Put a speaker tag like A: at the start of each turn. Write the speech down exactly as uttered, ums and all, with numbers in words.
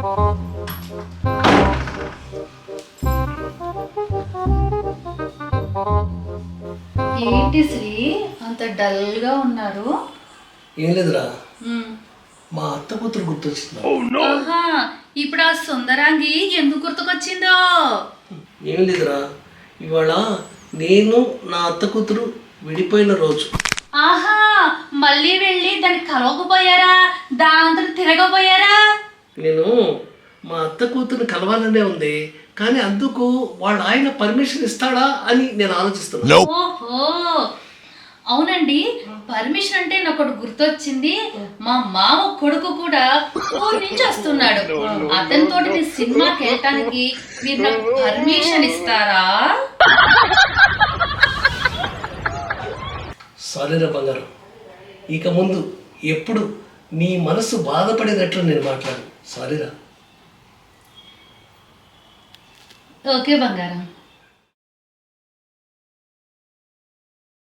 A: ఏంటి శ్రీ అంత డల్గా ఉన్నారు?
B: ఏం లేదురా, మా అత్త కూతురు గుర్తొచ్చింది.
A: ఆహా, ఇప్పుడు ఆ సుందరాంగి ఎందుకు గుర్తుకొచ్చిందో?
B: ఏం లేదురా, ఇవాళ నేను నా అత్త కూతురు విడిపోయిన రోజు.
A: ఆహా, మళ్ళీ వెళ్ళి దాన్ని కలవకపోయారా? దాంతో తిరగపోయారా?
B: నేను మా అత్త కూతురుని కలవాలనే ఉంది, కానీ అందుకు వాళ్ళ ఆయన పర్మిషన్ ఇస్తాడా అని నేను ఆలోచిస్తున్నా.
A: ఓహో, అవునండి. పర్మిషన్ అంటే నాకు ఒకటి గుర్తొచ్చింది. మా మామ కొడుకు కూడా ఊరి నుంచి వస్తున్నాడు. అతనితో నేను సినిమాకి వెళ్ళటానికి మీరు నాకు పర్మిషన్ ఇస్తారా?
B: సారీరా బంగారం, ఇక ముందు ఎప్పుడు నీ మనసు బాధపడేటట్లు నేను మాట్లాడు. సారీరా.
A: ఓకే బంగారం.